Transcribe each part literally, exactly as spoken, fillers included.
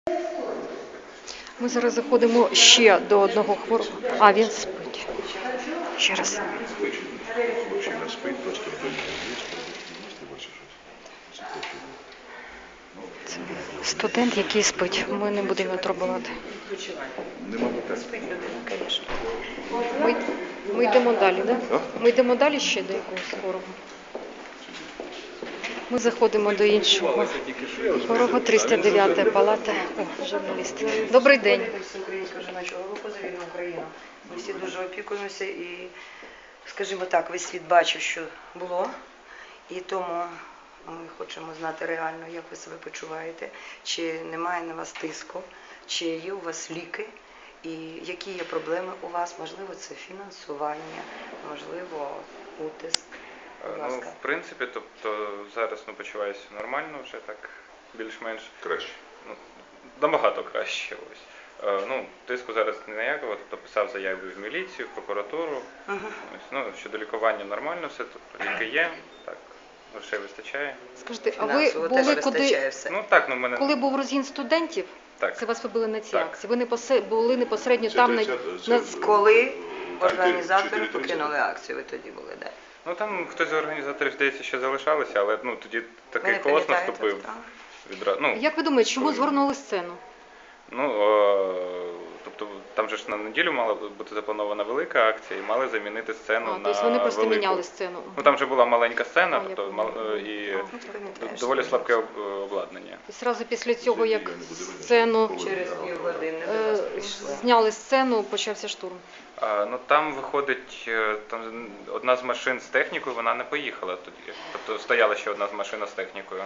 Ми зараз заходимо ще до одного хворого. А, він спить. Ще раз. Мужчина спить, просто вдома є, ти бачиш щось. Це студент, який спить. Ми не будемо його турбувати. Нема питань. Спить людина, звісно. Ми, ми йдемо далі, так? А? Ми йдемо далі ще до якогось хворого. Ми заходимо до іншого хворого, триста дев'ята палата. О, журналіст. Добрий день. Українського жіночого руху за вільну Україну. Ми всі дуже опікуємося і, скажімо так, весь світ бачив, що було. І тому ми хочемо знати реально, як ви себе почуваєте, чи немає на вас тиску, чи є у вас ліки, і які є проблеми у вас, можливо, це фінансування, можливо, утиск. Будь Ну, ласка. в принципі, тобто зараз ну, почуваюся нормально, вже так більш-менш Краще. ну, набагато краще. Ось. Е, ну, тиску зараз ніякого, тобто писав заяви в міліцію, в прокуратуру. Ага. Ось, ну, щодо лікування нормально все, тобто ліки є, так, грошей вистачає. Скажіть, а ви Фінансово теж були вистачає куди, все. Ну так, ну в мене коли був розгін студентів? так. Це вас ви були на цій Так. акції. Ви не посе- були непосередньо Це там на, тридцять, це- на... Коли Там організатори чотири тридцять. покинули акцію, ви тоді були, де? Ну там хтось з організаторів, здається, ще залишалися, але ну, тоді Ви такий не колос пам'ятаєте, наступив. так? Відра... Ну, Як ви думаєте, чому коли- згорнули сцену? Ну, е, тобто там же ж на неділю мала бути запланована велика акція і мали замінити сцену А, на тобто вони просто велику. міняли сцену. Ну там же була маленька сцена, А, я тобто поняла. мал- е, і А. Ну, ти пам'ятаєш, доволі що слабке об- обладнання. І одразу після цього, як Я не буду винен. сцену через півгодини до е, вас прийшли. зняли сцену, почався штурм. А, ну там виходить, е, там одна з машин з технікою, вона не поїхала тоді. Тобто стояла ще одна з машин з технікою.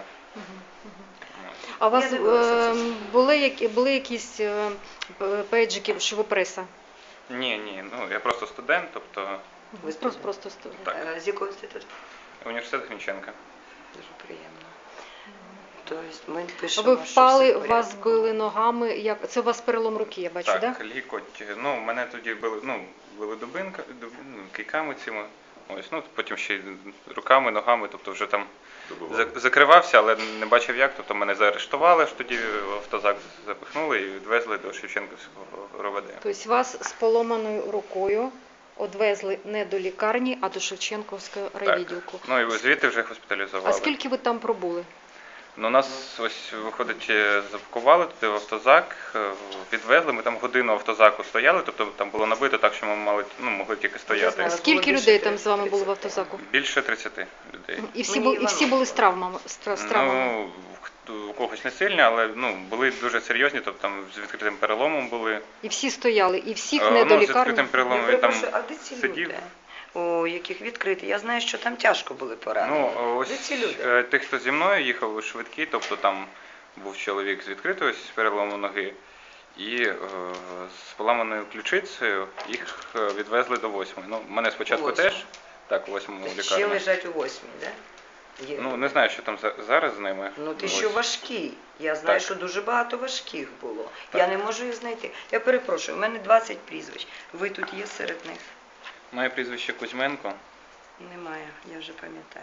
А у вас Я дивилася е, це. були, які, були якісь е, п- пейджики, що ви преса? Ні, ні, ну я просто студент, тобто Ви Просто, просто студент. Так. Е, З якого інституту? університет Грінченка. Дуже приємно. Тобто ми А пишемо, ви впали, що все в вас порядку. били ногами. Як це у вас перелом руки, я бачу, Так, так? лікоть. Ну, мене тоді били, ну, били дубинка, дуб, ну, кийками цими. Ось, ну, потім ще й руками, ногами, тобто вже там Добивали. за- закривався, але не бачив як. Тобто мене заарештували, ж тоді в автозак запихнули і відвезли до Шевченківського РОВД. Тобто вас з поломаною рукою одвезли не до лікарні, а до Шевченківського райвідділку. Ну і звідти вже госпіталізували. А скільки ви там пробули? Ну, нас ось виходить, е, запакували туди в автозак, е, відвезли. Ми там годину в автозаку стояли, тобто там було набито так, що ми мали, ну, могли тільки стояти. знаю. Скільки було людей більше там з вами було в тридцяти. автозаку? Більше тридцяти людей. І всі, Мені бу- і всі Іванов були з травмами? З тра- з травмами? Ну, хто- у когось не сильні, але ну, були дуже серйозні, тобто там з відкритим переломом були. І всі стояли, і всіх Е, не ну, до з лікарні? відкритим переломом Я він там перепрошую, а де ці сидів. люди, у яких відкриті? Я знаю, що там тяжко були поранені. Ну, ось Де ці люди? е, тих, хто зі мною їхав у швидкій, тобто там був чоловік з відкритою з переломом ноги і е, з поламаною ключицею, їх е, відвезли до восьмої. Ну, мене спочатку У восьму? теж, так, у восьмому Ще лікарні. лежать у восьмій, да? Є. Ну, не знаю, що там за- зараз з ними. Ну ти Ось. що важкі. Я знаю, Так. що дуже багато важких було. Так. Я не можу їх знайти. Я перепрошую, у мене двадцять прізвищ. Ви тут є серед них? Моє прізвище Кузьменко. Немає, я вже пам'ятаю.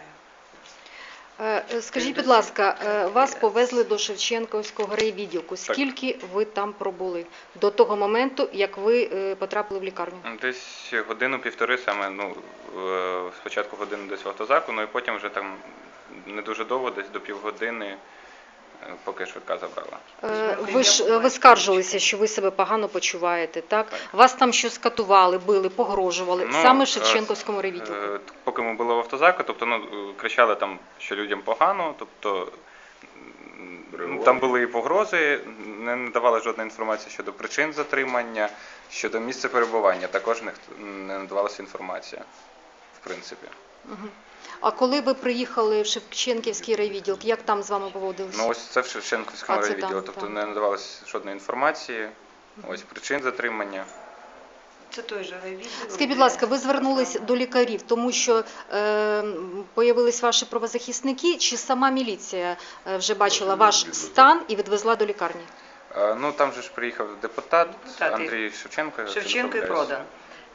Е, е, Скажіть, Ти будь ласка, досі- е, вас повезли до Шевченківського райвідділку. Так. Скільки ви там пробули до того моменту, як ви е, потрапили в лікарню? Десь годину-півтори саме, ну, е, спочатку годину десь в автозаку, ну і потім вже там не дуже довго, десь до півгодини, е, поки швидка забрала. Е, Ви ж е, ви скаржилися, що ви себе погано почуваєте, так? Так. Вас там щось катували, били, погрожували, Ну, саме е, в Шевченківському райвідділку. Е, Поки ми були в автозаку, тобто ну, е, кричали там, що людям погано, тобто м, Реагували? там були і погрози, не надавали жодної інформації щодо причин затримання, щодо місця перебування, також не, не надавалася інформація, в принципі. Мгм. А коли ви приїхали в Шевченківський райвідділок, як там з вами поводилися? Ну ось це в Шевченківському А, це райвідділі, там, тобто там. не надавалося жодної інформації, ось причин затримання. Це той же райвідділ. Скажіть, будь ласка, ви звернулись до лікарів, тому що е, появились ваші правозахисники, чи сама міліція е, вже бачила ваш стан і відвезла до лікарні? Е, Ну там же ж приїхав депутат Депутат і- Андрій Шевченко. якщо не Шевченко і помиляюсь. Продан.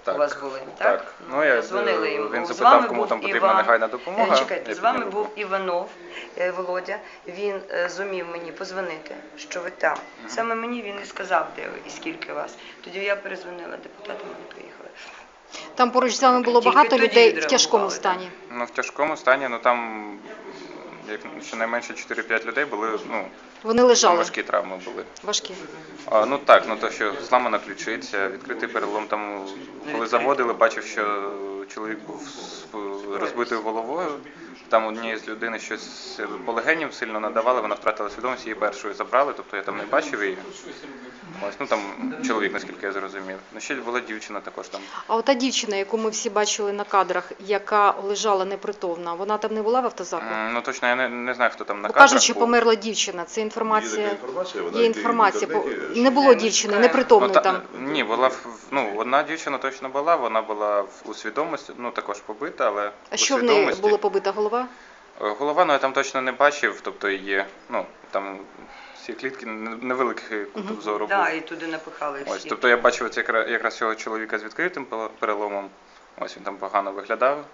у вас були, так? Так. Ну, я, Дзвонили їм. він З запитав, вами кому був там потрібна Іван. негайна допомога. Е, Чекайте, Я з вами підняв був руку. Іванов е, Володя. Він е, зумів мені позвонити, що ви там. Саме мені він і сказав, де ви і скільки вас. Тоді я перезвонила депутатам, вони приїхали. Там поруч з вами було Тільки багато тоді людей в відреагували, тяжкому так. стані. Ну, в тяжкому стані, ну там як щонайменше чотири-п'ять людей були, ну, Вони там лежали важкі травми були. важкі. А, ну так, ну то, що зламана ключиця, відкритий перелом, там, коли заводили, бачив, що чоловік був з розбитою головою, там однієї з людини щось по легеням сильно надавали, вона втратила свідомість, її першою забрали, тобто я там не бачив її. Ось, ну там чоловік, наскільки я зрозумів. Ну ще була дівчина також там. А ота дівчина, яку ми всі бачили на кадрах, яка лежала непритомна, вона там не була в автозаку? М, Ну точно я не, не знаю, хто там на Бо кадрах кажуть, що був. померла дівчина. Це Є інформація. така інформація, вона Є йде в інформація. інтернеті, По- що- Не було дівчини, непритомної Ну, та- там. Ні, була в- ну, одна дівчина точно була, вона була в- у свідомості, ну також побита, але А у що в неї свідомості. було побита голова? Е, Голова, ну я там точно не бачив, тобто її, ну там всі клітки, не- невеликий кут Мгм. зору Да, був. і туди напихали всі. Ось, тобто я бачив це якраз, якраз цього чоловіка з відкритим пе- переломом. Ось він там погано виглядав.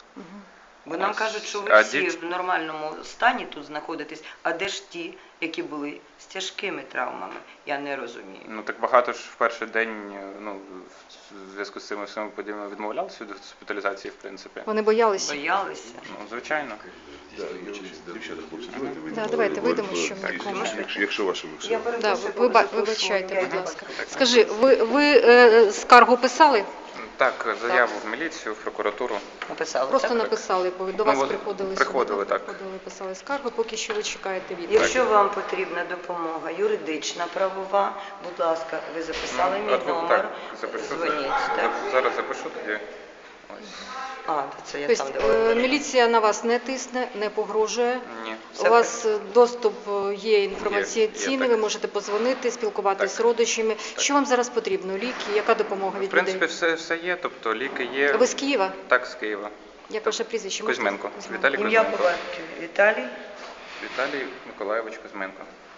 Бо нам Ось. кажуть, що ви А всі дівч- в нормальному стані тут знаходитесь, а де ж ті, які були з тяжкими травмами? Я не розумію. Ну так багато ж в перший день, е, ну в зв'язку з цими всіми подіями відмовлялися від госпіталізації, в принципі. Вони боялися. Боялися. Ну, звичайно. Да, є дівчата, хлопці, давайте вийдемо. Да, давайте вийдемо, Ви- що ви- ми якщо- можемо. якщо- Якщо ваше ви Я все. Да, перепрошую, ви, ба- попрошу вибачайте, слово. будь Я- ласка. Скажи, ви, ви е, скаргу писали? Так, заяву в міліцію, в прокуратуру. Написали, Просто так? написали, бо до Ну, вас от приходили приходили, сюди, так. приходили, писали скаргу, поки що ви чекаєте відповідь. Якщо вам потрібна допомога юридична, правова, будь ласка, ви записали Ну, мій от ви- номер, так, запишу. дзвоніть. За- Так? Зараз запишу тоді. Ось. А, це я Тобто там е, давала. міліція на вас не тисне, не погрожує. Ні. Все У вас е, доступ е, є Є, інформаційний, є, ви так. можете позвонити, спілкуватися Так. з родичами. Що вам зараз потрібно? Ліки? Яка допомога В від принципі, людей? все, все є, тобто ліки є. Ви з Києва? Так, з Києва. Як ваше прізвище? Можете? Кузьменко. Кузьменко. Віталій Ім'я Кузьменко. по батькові Віталій. Віталій Миколайович Кузьменко.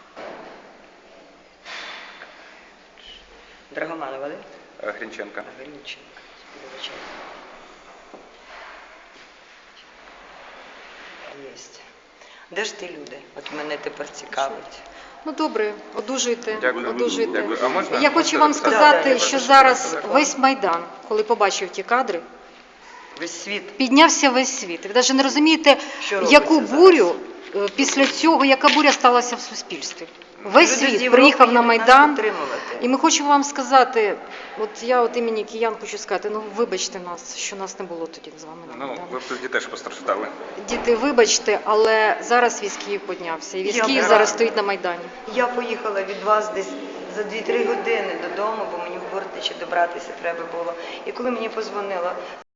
Драгоманова, да? Е, Грінченка. Гринченко. Вибачайте. Єсть. Де ж ті люди? От мене тепер цікавить. Ну добре, одужуйте. Дякую. одужуйте. Дякую. А можна- Я хочу можна вам записати? Да, да, сказати, я що запишу зараз телефон. весь Майдан, коли побачив ті кадри, Весь світ. піднявся весь світ. Ви навіть не розумієте, Що робиться яку зараз? бурю е, після цього, яка буря сталася в суспільстві. Весь Люди з світ Європи приїхав на їдуть нас Майдан. підтримувати. І ми хочемо вам сказати, от я от імені киян хочу сказати, ну вибачте нас, що нас не було тоді з вами на Ну, Майдані. ви б тоді теж постраждали. Діти, вибачте, але зараз весь Київ піднявся. І весь Я Київ права. зараз стоїть на Майдані. Я поїхала від вас десь за дві-три години додому, бо мені в Бортичі добратися треба було. І коли мені позвонила